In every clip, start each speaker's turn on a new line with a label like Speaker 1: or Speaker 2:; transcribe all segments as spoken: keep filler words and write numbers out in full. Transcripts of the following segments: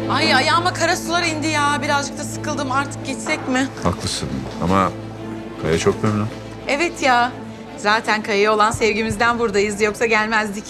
Speaker 1: Ay ayağıma kara sular indi ya. Birazcık da sıkıldım. Artık gitsek mi?
Speaker 2: Haklısın ama Kaya çok memnun.
Speaker 1: Evet ya. Zaten Kaya'ya olan sevgimizden buradayız. Yoksa gelmezdik.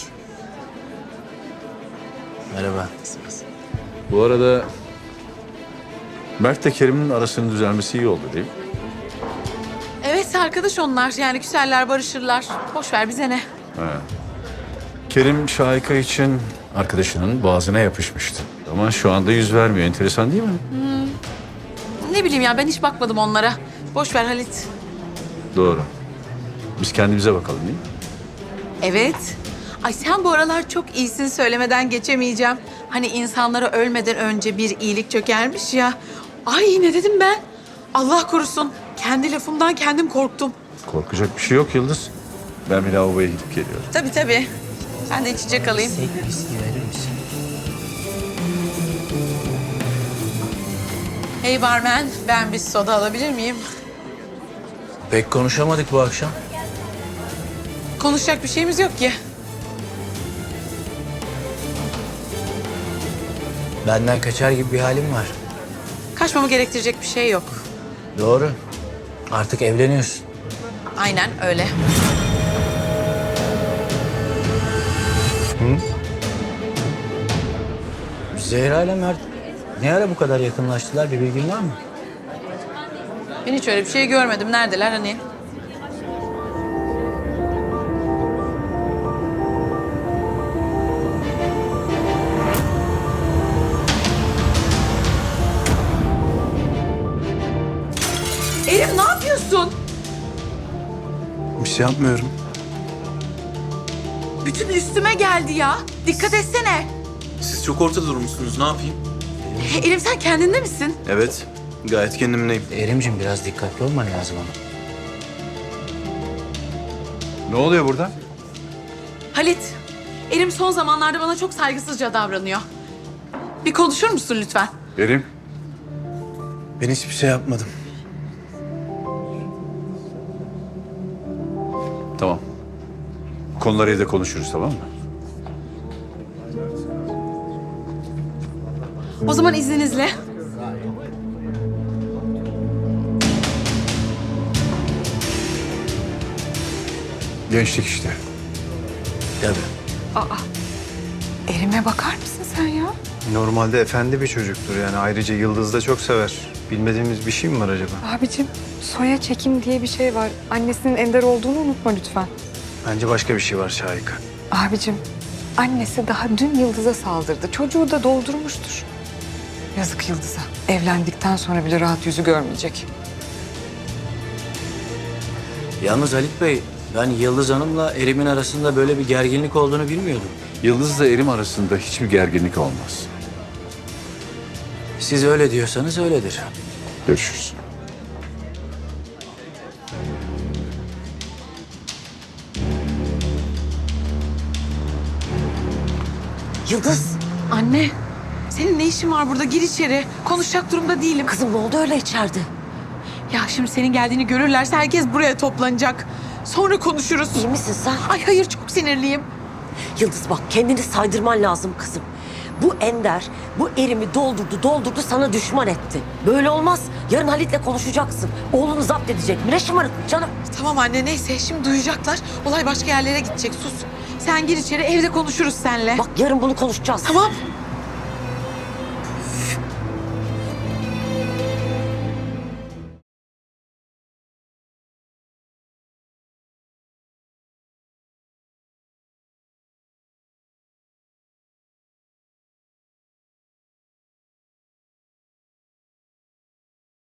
Speaker 3: Merhaba.
Speaker 2: Bu arada Mert de Kerim'in arasının düzelmesi iyi oldu değil mi?
Speaker 1: Evet arkadaş onlar. Yani küserler, barışırlar. Boş ver bize ne?
Speaker 2: He. Kerim Şahika için arkadaşının boğazına yapışmıştı. Ama şu anda yüz vermiyor. Enteresan değil mi?
Speaker 1: Ne bileyim ya ben hiç bakmadım onlara. Boş ver Halit.
Speaker 2: Doğru. Biz kendimize bakalım değil mi?
Speaker 1: Evet. Ay sen bu aralar çok iyisin söylemeden geçemeyeceğim. Hani insanlara ölmeden önce bir iyilik çökermiş ya. Ay ne dedim ben? Allah korusun. Kendi lafımdan kendim korktum.
Speaker 2: Korkacak bir şey yok Yıldız. Ben bir lavaboya gidip geliyorum.
Speaker 1: Tabii tabii. Ben de içecek alayım.
Speaker 3: Tek viski verir misin?
Speaker 1: Hey barmen, ben bir soda alabilir miyim?
Speaker 3: Pek konuşamadık bu akşam.
Speaker 1: Konuşacak bir şeyimiz yok ki.
Speaker 3: Benden kaçar gibi bir halim var.
Speaker 1: Kaçmamı gerektirecek bir şey yok.
Speaker 3: Doğru. Artık evleniyorsun.
Speaker 1: Aynen öyle.
Speaker 3: Zehra ile Mert ne ara bu kadar yakınlaştılar, bir bilgin var mı?
Speaker 1: Ben hiç öyle bir şey görmedim. Neredeler hani? Elif ne yapıyorsun?
Speaker 4: Bir şey yapmıyorum.
Speaker 1: Bütün üstüme geldi ya. Dikkat etsene.
Speaker 4: Siz çok ortada durmuşsunuz. Ne yapayım?
Speaker 1: Elif sen kendinde misin?
Speaker 4: Evet. Gayet kendimdeyim.
Speaker 3: Erimcim biraz dikkatli olman lazım ama.
Speaker 2: Ne oluyor burada?
Speaker 1: Halit, Elim son zamanlarda bana çok saygısızca davranıyor. Bir konuşur musun lütfen?
Speaker 2: Kerim.
Speaker 4: Ben hiçbir şey yapmadım.
Speaker 2: Tamam. Bu konuları evde konuşuruz tamam mı?
Speaker 1: O zaman izninizle.
Speaker 2: Gençlik işte.
Speaker 3: Tabii.
Speaker 1: Elime bakar mısın sen ya?
Speaker 4: Normalde efendi bir çocuktur yani. Ayrıca Yıldız da çok sever. Bilmediğimiz bir şey mi var acaba?
Speaker 5: Abicim, soya çekim diye bir şey var. Annesinin Ender olduğunu unutma lütfen.
Speaker 4: Bence başka bir şey var Şahika.
Speaker 5: Abicim, annesi daha dün Yıldız'a saldırdı. Çocuğu da doldurmuştur. Yazık Yıldız'a. Evlendikten sonra bile rahat yüzü görmeyecek.
Speaker 3: Yalnız Halit Bey, ben Yıldız Hanım'la Erim'in arasında böyle bir gerginlik olduğunu bilmiyordum.
Speaker 2: Yıldız'la Erim arasında hiçbir gerginlik olmaz.
Speaker 3: Siz öyle diyorsanız öyledir.
Speaker 2: Görüşürüz.
Speaker 6: Yıldız,
Speaker 1: Anne, senin ne işin var burada? Gir içeri. Konuşacak durumda değilim.
Speaker 6: kızım ne oldu öyle içeride?
Speaker 1: Ya şimdi senin geldiğini görürlerse herkes buraya toplanacak. Sonra konuşuruz.
Speaker 6: İyi misin sen?
Speaker 1: Ay hayır çok sinirliyim.
Speaker 6: Yıldız bak kendini saydırman lazım kızım. Bu Ender, bu erimi doldurdu doldurdu sana düşman etti. Böyle olmaz. Yarın Halit'le konuşacaksın. Oğlunu zapt edecek. Ne şımarıklık canım.
Speaker 1: Tamam anne neyse şimdi duyacaklar. Olay başka yerlere gidecek sus. Sen gir içeri evde konuşuruz seninle.
Speaker 6: Bak yarın bunu konuşacağız.
Speaker 1: Tamam.